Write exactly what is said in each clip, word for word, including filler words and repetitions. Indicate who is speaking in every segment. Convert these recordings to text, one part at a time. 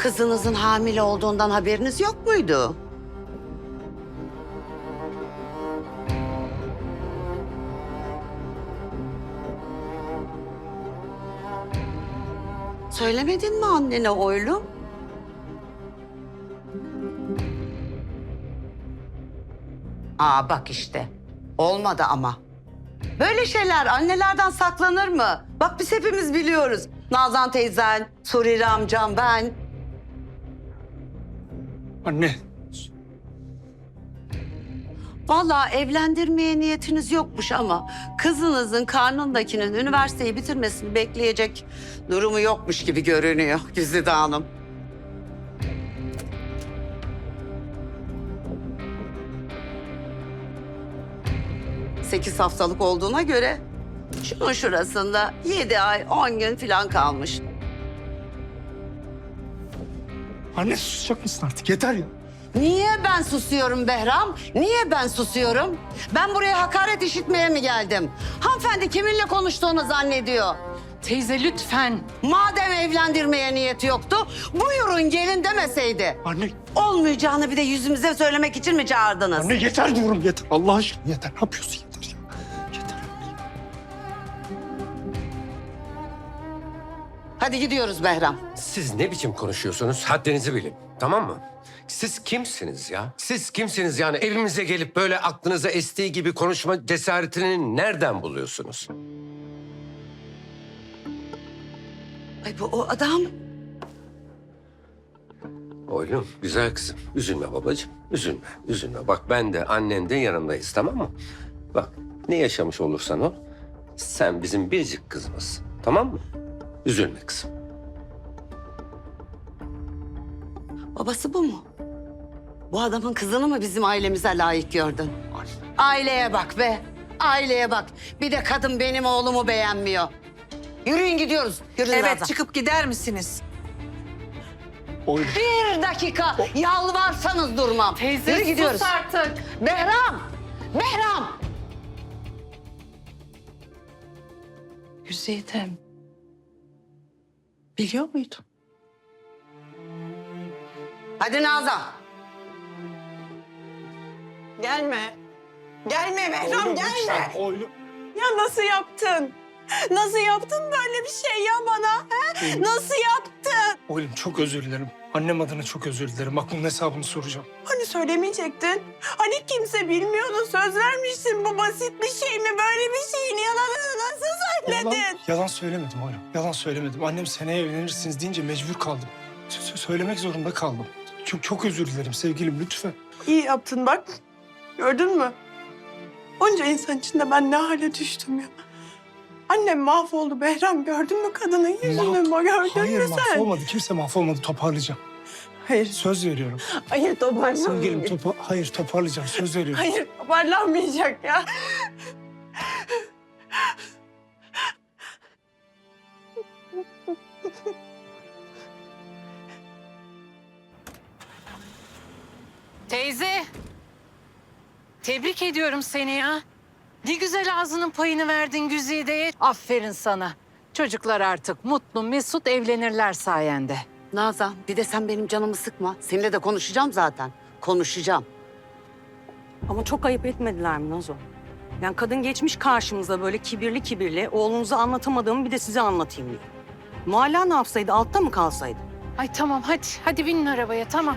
Speaker 1: Kızınızın hamile olduğundan haberiniz yok muydu? Söylemedin mi annene oğlum? Aa bak işte. Olmadı ama. Böyle şeyler annelerden saklanır mı? Bak biz hepimiz biliyoruz. Nazan teyzen, Surire amcam, ben.
Speaker 2: Anne.
Speaker 1: Vallahi evlendirmeye niyetiniz yokmuş ama kızınızın karnındakinin üniversiteyi bitirmesini bekleyecek durumu yokmuş gibi görünüyor Güzide Hanım. Sekiz haftalık olduğuna göre şunun şurasında yedi ay on gün falan kalmış.
Speaker 2: Anne susacak mısın artık? Yeter ya.
Speaker 1: Niye ben susuyorum Behram? Niye ben susuyorum? Ben buraya hakaret işitmeye mi geldim? Hanımefendi kiminle konuştuğunu zannediyor.
Speaker 3: Teyze lütfen.
Speaker 1: Madem evlendirmeye niyeti yoktu, buyurun gelin demeseydi.
Speaker 2: Anne.
Speaker 1: Olmayacağını bir de yüzümüze söylemek için mi çağırdınız?
Speaker 2: Anne yeter diyorum yeter. Allah aşkına yeter. Ne yapıyorsun yeter ya. Yeter.
Speaker 1: Hadi gidiyoruz Behram.
Speaker 4: Siz ne biçim konuşuyorsunuz? Haddinizi bilin. Tamam mı? Siz kimsiniz ya? Siz kimsiniz yani? Evimize gelip böyle aklınıza estiği gibi konuşma cesaretini nereden buluyorsunuz?
Speaker 1: Ay bu o adam.
Speaker 4: Oğlum, güzel kızım. Üzülme babacığım. Üzülme, üzülme. Bak ben de annen de yanındayız, tamam mı? Bak ne yaşamış olursan ol, sen bizim biricik kızımızsın. Tamam mı? Üzülme kızım.
Speaker 1: Babası bu mu? Bu adamın kızını mı bizim ailemize layık gördün? Aileye bak be. Aileye bak. Bir de kadın benim oğlumu beğenmiyor. Yürüyün gidiyoruz. Yürüyün
Speaker 3: Evet
Speaker 1: Nazan.
Speaker 3: çıkıp gider misiniz?
Speaker 2: Oğlum.
Speaker 1: Bir dakika. Yalvarsanız durmam.
Speaker 3: Teyze
Speaker 1: Yürü gidiyoruz.
Speaker 3: sus artık.
Speaker 1: Behram. Behram.
Speaker 3: Güzidem. Biliyor muydun?
Speaker 1: Hadi Nazan.
Speaker 5: Gelme. Gelme Behram
Speaker 2: Oğlum,
Speaker 5: gelme.
Speaker 2: lütfen, Oğlum.
Speaker 5: Ya nasıl yaptın? Nasıl yaptın böyle bir şey ya bana? He? Nasıl yaptın?
Speaker 2: Oğlum çok özür dilerim. Annem adına çok özür dilerim. Bak bunun hesabını soracağım.
Speaker 5: Hani söylemeyecektin? Hani kimse bilmiyordu, söz vermiştin. Bu basit bir şey mi? Böyle bir şeyin yalanını nasıl söyledin?
Speaker 2: Yalan, yalan söylemedim oğlum. Yalan söylemedim. Annem seneye evlenirsiniz deyince mecbur kaldım. Sö- söylemek zorunda kaldım. Çok çok özür dilerim sevgilim lütfen.
Speaker 5: İyi yaptın bak. Gördün mü? Onca insan içinde ben ne hale düştüm ya. Annem mahvoldu Behram. Gördün mü kadının yüzünü?
Speaker 2: Mahv-
Speaker 5: Gördün
Speaker 2: Hayır
Speaker 5: mü sen?
Speaker 2: mahvolmadı. Kimse mahvolmadı. Toparlayacağım.
Speaker 5: Hayır.
Speaker 2: Söz veriyorum.
Speaker 5: Hayır toparlanmayacak.
Speaker 2: Sevgilim topa hayır toparlayacağım. Söz veriyorum.
Speaker 5: Hayır toparlanmayacak ya.
Speaker 3: Teyze. Tebrik ediyorum seni ya. Ne güzel ağzının payını verdin Güzide'ye. Aferin sana. Çocuklar artık mutlu mesut evlenirler sayende.
Speaker 1: Nazan bir de sen benim canımı sıkma. Seninle de konuşacağım zaten. Konuşacağım.
Speaker 6: Ama çok ayıp etmediler mi Nazo? Yani kadın geçmiş karşımıza böyle kibirli kibirli, oğlunuza anlatamadığımı bir de size anlatayım diyor. Mualla ne yapsaydı, altta mı kalsaydı?
Speaker 3: Ay tamam hadi. Hadi binin arabaya tamam.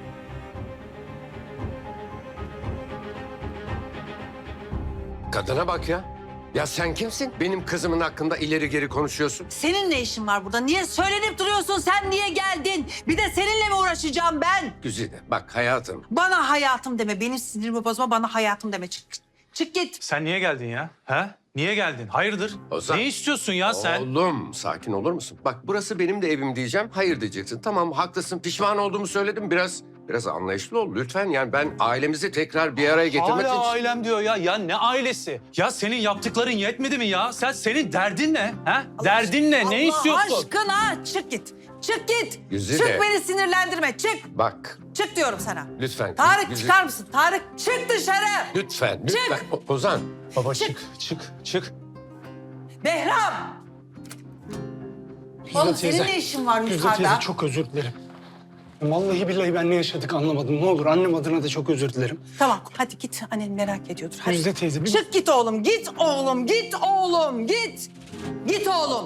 Speaker 4: Kadına bak ya. Ya sen kimsin? Benim kızımın hakkında ileri geri konuşuyorsun.
Speaker 7: Senin ne işin var burada? Niye söylenip duruyorsun? Sen niye geldin? Bir de seninle mi uğraşacağım ben?
Speaker 4: Güzide bak hayatım.
Speaker 7: Bana hayatım deme. Benim sinirimi bozma. Bana hayatım deme. Çık, çık git.
Speaker 8: Sen niye geldin ya? Ha? Niye geldin? Hayırdır?
Speaker 4: Ozan.
Speaker 8: Ne istiyorsun ya sen?
Speaker 4: Oğlum sakin olur musun? Bak burası benim de evim diyeceğim. Hayır diyeceksin. Tamam haklısın. Pişman olduğumu söyledim. Biraz biraz anlayışlı ol lütfen. Yani ben ailemizi tekrar bir araya getirmek
Speaker 8: Hala
Speaker 4: için...
Speaker 8: ailem diyor ya. Ya ne ailesi? Ya senin yaptıkların yetmedi mi ya? Sen senin derdin ne? Ha? Derdin ne? Ne istiyorsun?
Speaker 7: Allah aşkına çık git. Çık git.
Speaker 4: Güzide.
Speaker 7: Çık beni sinirlendirme. Çık.
Speaker 4: Bak
Speaker 7: Çık diyorum sana.
Speaker 4: lütfen.
Speaker 7: Tarık
Speaker 4: Güzide-
Speaker 7: çıkar mısın? Tarık çık dışarı.
Speaker 4: Lütfen lütfen. O- Ozan.
Speaker 8: Baba
Speaker 7: Çık.
Speaker 8: çık, çık, çık.
Speaker 7: Behram.
Speaker 2: Güzel
Speaker 7: Oğlum
Speaker 2: teyze.
Speaker 7: senin ne işin var
Speaker 2: Güzel
Speaker 7: yukarıda?
Speaker 2: teyze çok özür dilerim. Vallahi billahi ben ne yaşadık anlamadım. Ne olur annem adına da çok özür dilerim.
Speaker 7: Tamam hadi git. Annen merak ediyordur. Hadi.
Speaker 2: Güzide teyze bir...
Speaker 7: Çık git oğlum, git oğlum, git oğlum, git. Git oğlum.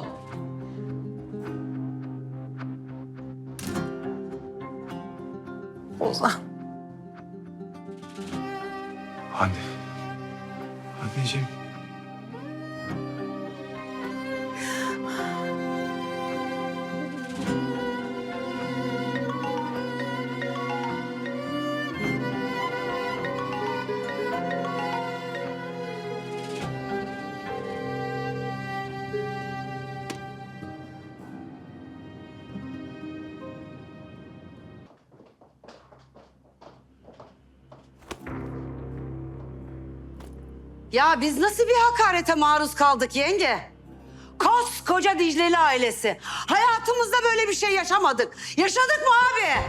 Speaker 7: Ozan.
Speaker 2: Anne. Anneciğim.
Speaker 1: Ya biz nasıl bir hakarete maruz kaldık yenge? Koskoca Dicleli ailesi. Hayatımızda böyle bir şey yaşamadık. Yaşadık mı abi?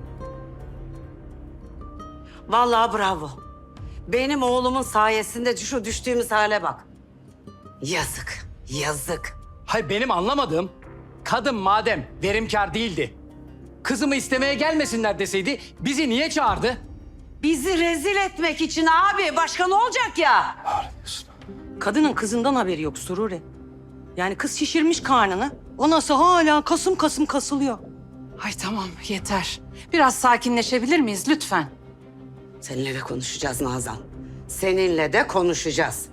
Speaker 1: Vallahi bravo. Benim oğlumun sayesinde şu düştüğümüz hale bak. Yazık, yazık.
Speaker 9: Hayır benim anlamadığım kadın madem verimkar değildi. Kızımı istemeye gelmesinler deseydi bizi niye çağırdı?
Speaker 1: Bizi rezil etmek için abi. Başka ne olacak ya?
Speaker 6: Kadının kızından haberi yok Sururi. Yani kız şişirmiş karnını. O nasıl hala kasım kasım kasılıyor.
Speaker 3: Ay tamam yeter. Biraz sakinleşebilir miyiz lütfen?
Speaker 1: Seninle de konuşacağız Nazan. Seninle de konuşacağız.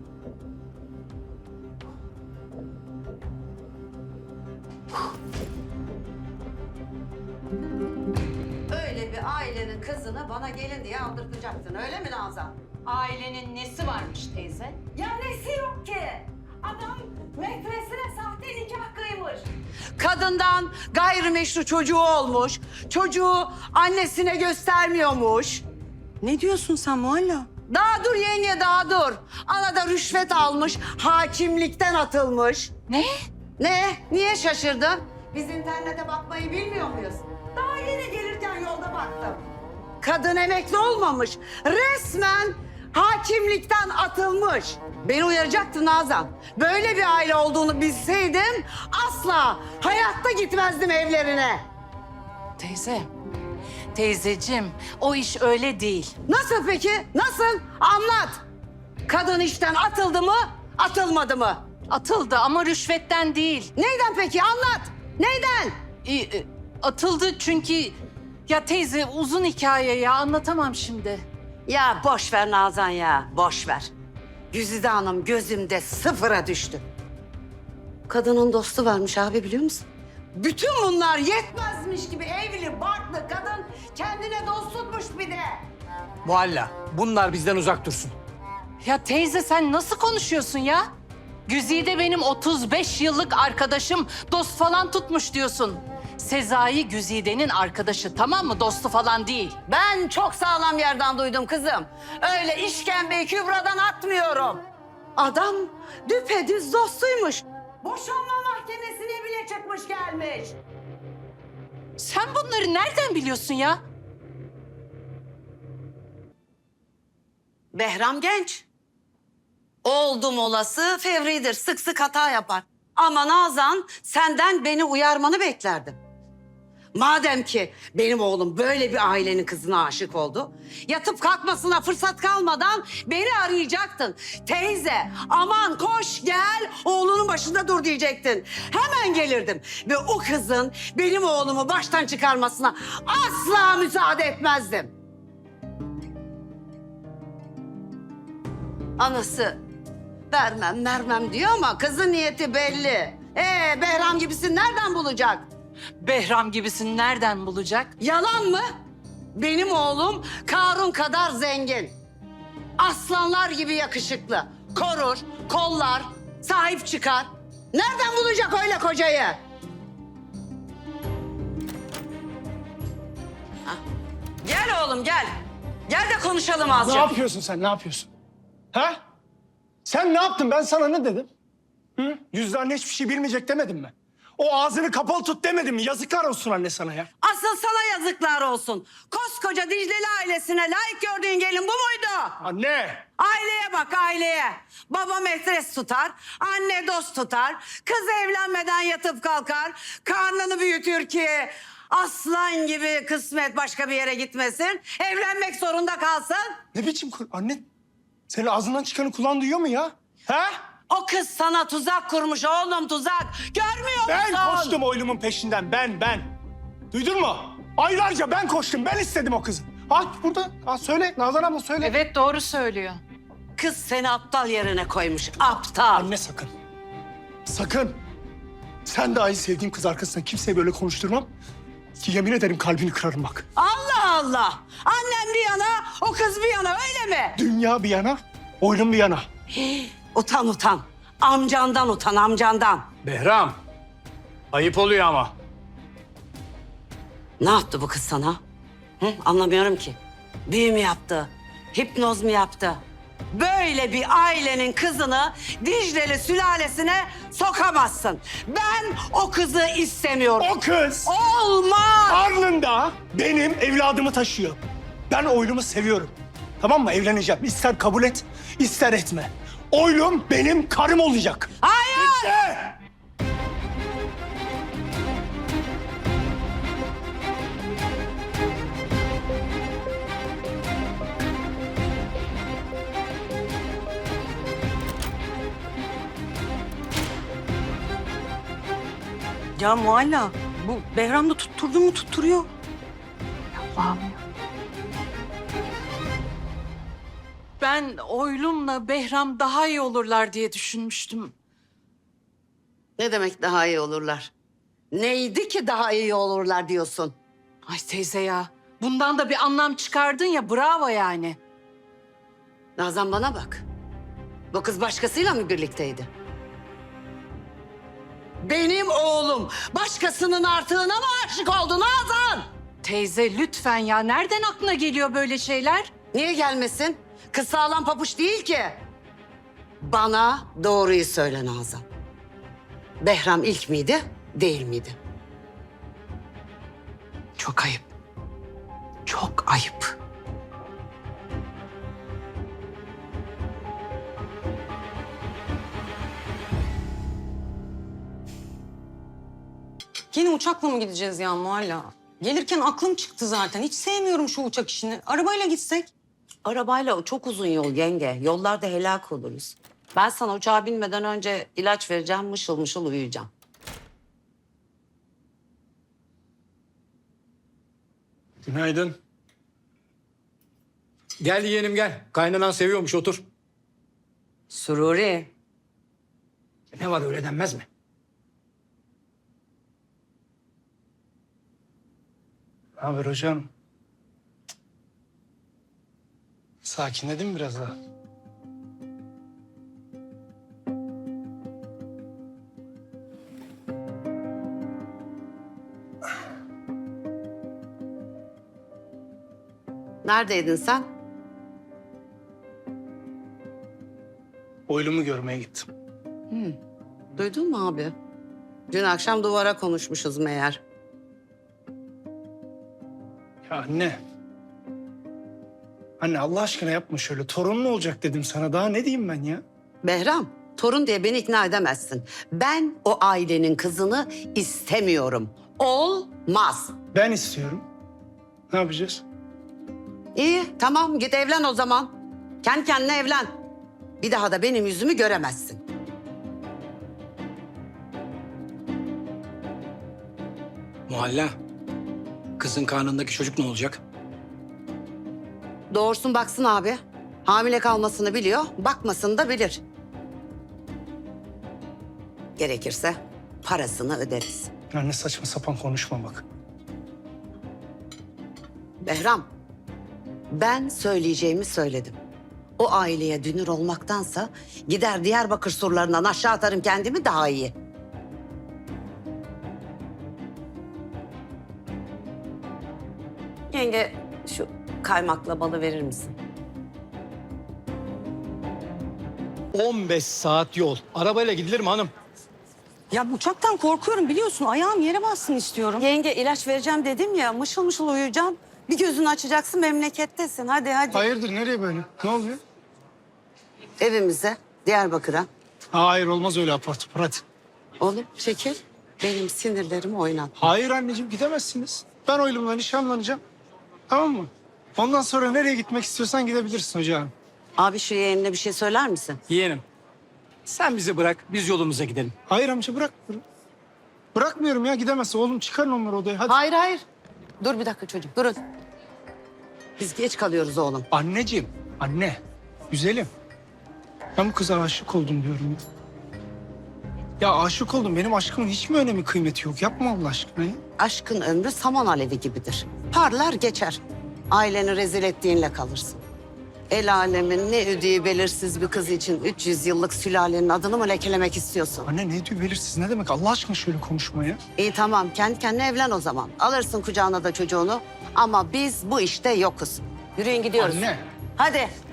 Speaker 1: Öyle bir ailenin kızını bana gelin diye aldırtacaktın, öyle mi Nazan?
Speaker 3: Ailenin nesi varmış teyze?
Speaker 1: Ya nesi yok ki? Adam metresine sahte nikah kıymış. Kadından gayrimeşru çocuğu olmuş. Çocuğu annesine göstermiyormuş.
Speaker 6: Ne diyorsun sen Mualla?
Speaker 1: Daha dur yenge, daha dur. Anada rüşvet almış, hakimlikten atılmış.
Speaker 3: Ne?
Speaker 1: Ne? Niye şaşırdın? Biz internete bakmayı bilmiyor muyuz? Daha yeni gelirken yolda baktım. Kadın emekli olmamış. Resmen hakimlikten atılmış. Beni uyaracaktı Nazan. Böyle bir aile olduğunu bilseydim asla hayatta gitmezdim evlerine.
Speaker 3: Teyze. Teyzeciğim o iş öyle değil.
Speaker 1: Nasıl peki? Nasıl? Anlat. Kadın işten atıldı mı, atılmadı mı?
Speaker 3: Atıldı ama rüşvetten değil.
Speaker 1: Neyden peki? Anlat. Neyden?
Speaker 3: E, e, atıldı çünkü... Ya teyze uzun hikaye ya anlatamam şimdi.
Speaker 1: Ya boş ver Nazan ya, boş ver. Güzide Hanım gözümde sıfıra düştü. Kadının dostu varmış abi, biliyor musun? Bütün bunlar yetmezmiş gibi evli, barklı kadın kendine dost tutmuş bir de.
Speaker 9: Mualla bunlar bizden uzak dursun.
Speaker 3: Ya teyze sen nasıl konuşuyorsun ya? Güzide benim otuz beş yıllık arkadaşım, dost falan tutmuş diyorsun. Sezai Güzide'nin arkadaşı, tamam mı? Dostu falan değil.
Speaker 1: Ben çok sağlam yerden duydum kızım. Öyle işkembeyi kübradan atmıyorum. Adam düpedüz dostuymuş. Boşanma mahkemesine bile çıkmış gelmiş.
Speaker 3: Sen bunları nereden biliyorsun ya?
Speaker 1: Behram genç. Oldum olası fevridir, sık sık hata yapar. Ama Nazan senden beni uyarmanı beklerdim. Madem ki benim oğlum böyle bir ailenin kızına aşık oldu, yatıp kalkmasına fırsat kalmadan beni arayacaktın. Teyze, aman koş gel, oğlunun başında dur diyecektin. Hemen gelirdim ve o kızın benim oğlumu baştan çıkarmasına asla müsaade etmezdim. Anası vermem vermem diyor ama kızın niyeti belli. Ee, Behram gibisin nereden bulacak?
Speaker 3: Behram gibisini nereden bulacak?
Speaker 1: Yalan mı? Benim oğlum Karun kadar zengin. Aslanlar gibi yakışıklı. Korur, kollar, sahip çıkar. Nereden bulacak öyle kocayı? Hah. Gel oğlum gel. Gel de konuşalım azıcık.
Speaker 2: Ne yapıyorsun sen? Ne yapıyorsun? Ha? Sen ne yaptın? Ben sana ne dedim? Hı? Yüzde anne hiçbir şey bilmeyecek demedim mi? O ağzını kapalı tut demedim mi? Yazıklar olsun anne sana ya.
Speaker 1: Asıl sana yazıklar olsun. Koskoca Dicleli ailesine layık gördüğün gelin bu muydu?
Speaker 2: Anne!
Speaker 1: Aileye bak aileye. Baba metres tutar, anne dost tutar. Kız evlenmeden yatıp kalkar, karnını büyütür ki Aslan gibi kısmet başka bir yere gitmesin. Evlenmek zorunda kalsın.
Speaker 2: Ne biçim kur... Anne, senin ağzından çıkanı kulağın duyuyor mu ya? Ha?
Speaker 1: O kız sana tuzak kurmuş oğlum, tuzak. Görmüyor musun?
Speaker 2: Ben koştum oylumun peşinden, ben, ben. Duydun mu? Aylarca ben koştum, ben istedim o kızı. Ha burada, ha söyle, Nazan abla söyle.
Speaker 3: Evet doğru söylüyor.
Speaker 1: Kız seni aptal yerine koymuş, aptal.
Speaker 2: Anne sakın. Sakın. Sen de aynı sevdiğim kız arkasından kimseye böyle konuşturmam. Ki yemin ederim kalbini kırarım bak.
Speaker 1: Allah Allah! Annem bir yana, o kız bir yana, öyle mi?
Speaker 2: Dünya bir yana, oylum bir yana.
Speaker 1: Utan utan. Amcandan utan, amcandan.
Speaker 9: Behram. Ayıp oluyor ama.
Speaker 1: Ne yaptı bu kız sana? Hı? Anlamıyorum ki. Büyü mü yaptı? Hipnoz mu yaptı? Böyle bir ailenin kızını Dicle'li sülalesine sokamazsın. Ben o kızı istemiyorum.
Speaker 2: O kız
Speaker 1: Olmaz!
Speaker 2: karnında benim evladımı taşıyor. Ben oylumu seviyorum. Tamam mı? Evleneceğim. İster kabul et, ister etme. Oylum benim karım olacak.
Speaker 1: Hayır!
Speaker 2: İşte.
Speaker 6: Ya Mualla, bu Behram da tutturdu mu tutturuyor.
Speaker 3: Ben Oylum'la Behram daha iyi olurlar diye düşünmüştüm.
Speaker 1: Ne demek daha iyi olurlar? Neydi ki daha iyi olurlar diyorsun?
Speaker 3: Ay teyze ya. Bundan da bir anlam çıkardın ya, bravo yani.
Speaker 1: Nazan bana bak. Bu kız başkasıyla mı birlikteydi? Benim oğlum başkasının artığına mı aşık oldu Nazan?
Speaker 3: Teyze lütfen ya. Nereden aklına geliyor böyle şeyler?
Speaker 1: Niye gelmesin? Kız sağlam papuç değil ki. Bana doğruyu söyle Nazan. Behram ilk miydi, değil miydi? Çok ayıp. Çok ayıp.
Speaker 6: Yine uçakla mı gideceğiz ya Mualla? Gelirken aklım çıktı zaten. Hiç sevmiyorum şu uçak işini. Arabayla gitsek.
Speaker 1: Arabayla çok uzun yol yenge. Yollarda helak oluruz. Ben sana uçağa binmeden önce ilaç vereceğim, mışıl mışıl uyuyacağım.
Speaker 2: Günaydın.
Speaker 9: Gel yeğenim gel. Kaynanan seviyormuş otur.
Speaker 1: Sururi.
Speaker 2: Ne var öyle denmez mi? Ne haber hocam? Sakinledin mi biraz daha?
Speaker 1: Neredeydin sen?
Speaker 2: Oylumu görmeye gittim.
Speaker 1: Duydun mu abi? Dün akşam duvara konuşmuşuz meğer.
Speaker 2: Ya anne. Anne Allah aşkına yapma şöyle. Torunun olacak dedim sana. Daha ne diyeyim ben ya?
Speaker 1: Behram, torun diye beni ikna edemezsin. Ben o ailenin kızını istemiyorum. Olmaz.
Speaker 2: Ben istiyorum. Ne yapacağız?
Speaker 1: İyi, tamam git evlen o zaman. Kendi kendine evlen. Bir daha da benim yüzümü göremezsin.
Speaker 9: Muhalla. Kızın karnındaki çocuk ne olacak?
Speaker 1: Doğursun baksın abi. Hamile kalmasını biliyor, bakmasını da bilir. Gerekirse parasını öderiz.
Speaker 2: Anne saçma sapan konuşma bak.
Speaker 1: Behram, ben söyleyeceğimi söyledim. O aileye dünür olmaktansa gider Diyarbakır surlarından aşağı atarım kendimi daha iyi. Yenge şu kaymakla balı verir misin?
Speaker 9: on beş saat yol. Arabayla gidilir mi hanım?
Speaker 6: Ya uçaktan korkuyorum biliyorsun. Ayağım yere bassın istiyorum.
Speaker 1: Yenge ilaç vereceğim dedim ya mışıl mışıl uyuyacağım. Bir gözünü açacaksın memlekettesin hadi hadi.
Speaker 2: Hayırdır nereye böyle? Ne oluyor?
Speaker 1: Evimize Diyarbakır'a.
Speaker 2: Hayır olmaz öyle apar topar hadi.
Speaker 1: Oğlum çekil. benim sinirlerimi oynat.
Speaker 2: Hayır anneciğim gidemezsiniz. Ben oğlumla nişanlanacağım. Tamam mı? Ondan sonra nereye gitmek istiyorsan gidebilirsin hocam.
Speaker 1: Abi şu yeğenine bir şey söyler misin?
Speaker 9: Yeğenim, sen bizi bırak, biz yolumuza gidelim.
Speaker 2: Hayır amca bırakmıyorum. Bırakmıyorum ya gidemezsin. Oğlum çıkarın onları odaya hadi.
Speaker 1: Hayır hayır. Dur bir dakika çocuk durun. Biz geç kalıyoruz oğlum.
Speaker 2: Anneciğim, anne, güzelim. Ben bu kıza aşık oldum diyorum ya. Ya aşık oldum. Benim aşkımın hiç mi önemi kıymeti yok? Yapma Allah aşkına ya.
Speaker 1: Aşkın ömrü saman alevi gibidir. Parlar geçer. Aileni rezil ettiğinle kalırsın. El alemin ne ödüğü belirsiz bir kız için üç yüz yıllık sülalenin adını mı lekelemek istiyorsun?
Speaker 2: Anne ne diyor belirsiz ne demek? Allah aşkına şöyle konuşma ya.
Speaker 1: İyi tamam kendi kendine evlen o zaman. Alırsın kucağına da çocuğunu. Ama biz bu işte yokuz. Yürüyün gidiyoruz.
Speaker 2: Anne.
Speaker 1: Hadi.